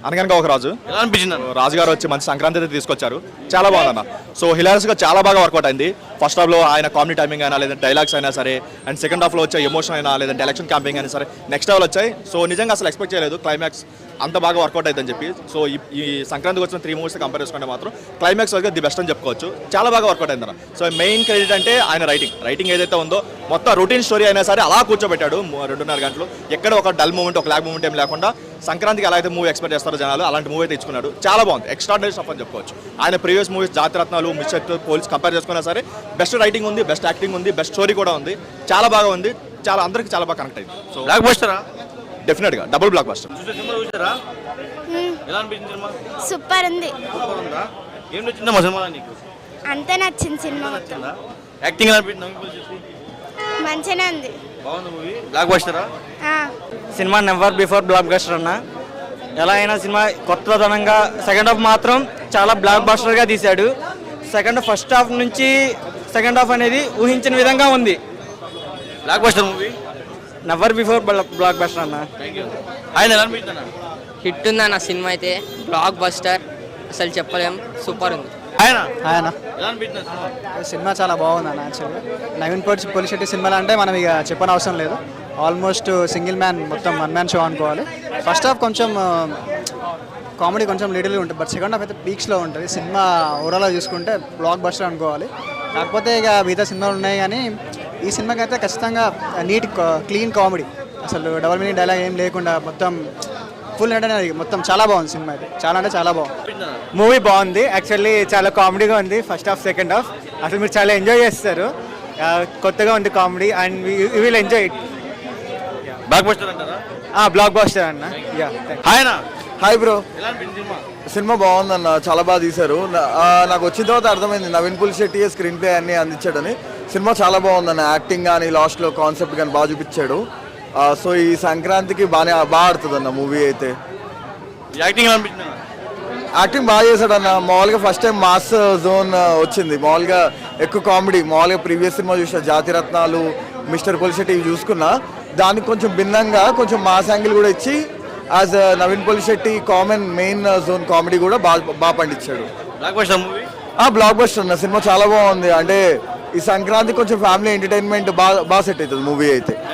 అనగనగా ఒక రాజు ఎలా అనిపించింది అన్న? రాజుగారు వచ్చి మంచి సంక్రాంతి అయితే తీసుకొచ్చారు. చాలా బాగుందన్న. సో హిలారియస్గా చాలా బాగా వర్కౌట్ అయింది. ఫస్ట్ హాఫ్లో ఆయన కామెడీ టైమింగ్ అయినా లేదంటే డైలాగ్స్ అయినా సరే, అండ్ సెకండ్ హాఫ్లో వచ్చే ఎమోషన్ అయినా లేదంటే ఎలక్షన్ క్యాంపింగ్ అయినా సరే నెక్స్ట్ లెవెల్ వచ్చాయి. సో నిజంగా అసలు ఎక్స్పెక్ట్ చేయలేదు క్లైమాక్స్ అంత బాగా వర్కౌట్ అవుతుందని చెప్పి. సో ఈ సంక్రాంతికి వచ్చిన 3 మూవీస్ కంపేర్ చేసుకుంటే మాత్రం క్లైమాక్స్ వరకు ది బెస్ట్ అని చెప్పుకోవచ్చు. చాలా బాగా వర్కౌట్ అయిందన్న. సో మెయిన్ క్రెడిట్ అంటే ఆయన రైటింగ్ ఏదైతే ఉందో మొత్తం రొటీన్ స్టోరీ అయినా సరే అలా కూర్చోబెట్టాడు 2.5 గంటలు. ఎక్కడ ఒక డల్ మూమెంట్ ఒక లాగ్ మూమెంట్ ఏం లేకుండా సంక్రాంతికి ఎలా అయితే మూవీ ఎక్స్పెక్ట్ చేస్తారో జనాలు అలాంటి మూవీ అయితే ఇచ్చుకున్నాడు. చాలా బాగుంది. ఎక్స్ట్రాడినరీ స్టఫ్ అని చెప్పుకోవచ్చు. ఆయన previous movies Jathiratnalu, mister police compare చేసుకున్నా సరే బెస్ట్ రైటింగ్ ఉంది, బెస్ట్ యాక్టింగ్ ఉంది, బెస్ట్ స్టోరీ కూడా ఉంది. చాలా బాగా ఉంది. చాలా అందరికి చాలా బాగా కనెక్ట్ అయింది. సో బ్లాక్ బస్టరా? డెఫినెట్గా డబుల్ బ్లాక్ బస్టర్. సినిమా చూసారా? ఎలా అనిపించింది సినిమా? సూపర్ ఉంది. సూపర్ ఉందా? ఏం నచ్చిందమ్మా సినిమా నీకు? అంతే నచ్చింది సినిమా మొత్తం. నచ్చిందా? యాక్టింగ్ ఎలా అనిపించింది? నవీన్ పోలి చేసి మంచిగానే ఉంది. బాగుంది మూవీ. బ్లాక్ బస్టరా? ఆ, సినిమా నెవర్ బిఫోర్ బ్లాక్ బస్టర్ అన్న. ఎలా అయినా సినిమా కొత్తదనంగా, సెకండ్ హాఫ్ మాత్రం చాలా బ్లాక్ బస్టర్గా తీశాడు. ఫస్ట్ హాఫ్ నుంచి సెకండ్ హాఫ్ అనేది ఊహించిన విధంగా ఉంది. Block buster movie. Never before block buster అన్న. Thank you. ఆయన ఎలా అనిపించింది అన్న? హిట్ ఉందన్న సినిమా అయితే, బ్లాక్ బస్టర్ అసలు చెప్పలేం, సూపర్ ఉంది. ఆయన ఆయన ఎలా అనిపించింది సినిమా? సినిమా చాలా బాగుంది అన్న. యాక్చువల్గా నవీన్ పోలిశెట్టి సినిమాలు అంటే మనం ఇక చెప్పనవసరం లేదు. ఆల్మోస్ట్ సింగిల్ మ్యాన్, మొత్తం 1 మ్యాన్ షో అనుకోవాలి. ఫస్ట్ హాఫ్ కొంచెం కామెడీ కొంచెం లిటిల్ ఉంటుంది, బట్ సెకండ్ హాఫ్ అయితే పీక్స్లో ఉంటుంది. సినిమా ఓవరాల్గా చూసుకుంటే బ్లాక్ బస్టర్ అనుకోవాలి. కాకపోతే ఇక మిగతా సినిమాలు ఉన్నాయి కానీ ఈ సినిమాకి అయితే ఖచ్చితంగా నీట్ క్లీన్ కామెడీ, అసలు డబల్ మీనింగ్ డైలాగ్ ఏం లేకుండా మొత్తం ఫుల్ అంటే మొత్తం చాలా బాగుంది సినిమా అయితే. చాలా అంటే చాలా బాగుంది. మూవీ బాగుంది. యాక్చువల్లీ చాలా కామెడీగా ఉంది ఫస్ట్ హాఫ్, సెకండ్ హాఫ్. అసలు మీరు చాలా ఎంజాయ్ చేస్తారు. కొత్తగా ఉంది comedy and you will enjoy it. Block buster అంటారా? బ్లాక్ బస్టర్ అన్న. ఆయన హాయ్ బ్రో, ఎలా అనిపించింది సినిమా? సినిమా బాగుందన్న, చాలా బాగా తీశారు. నాకు వచ్చిన తర్వాత అర్థమైంది నవీన్ పోలిశెట్టి స్క్రీన్ ప్లే అన్ని అందించాడని. సినిమా చాలా బాగుందన్న. యాక్టింగ్ కానీ లాస్ట్లో కాన్సెప్ట్ కానీ బాగా చూపించాడు. సో ఈ సంక్రాంతికి బాగా ఆడుతుంది అన్న మూవీ అయితే. యాక్టింగ్ ఎలా అనిపించింది అన్న? యాక్టింగ్ బాగా చేశాడన్న. మామూలుగా ఫస్ట్ టైం మాస్ జోన్ వచ్చింది. మామూలుగా ఎక్కువ కామెడీ, మామూలుగా ప్రీవియస్ సినిమా చూసిన జాతిరత్నాలు, మిస్టర్ పోలిశెట్టి ఇవి చూసుకున్నా, దానికి కొంచెం భిన్నంగా కొంచెం మాస్ యాంగిల్ కూడా ఇచ్చి as Naveen Polishetty common man zone comedy కూడా బాగా పండించాడు. Block buster movie. Block buster అన్న. సినిమా చాలా బాగుంది. అంటే ఈ సంక్రాంతి కొంచెం ఫ్యామిలీ ఎంటర్టైన్మెంట్ బాగా సెట్ అవుతుంది మూవీ అయితే.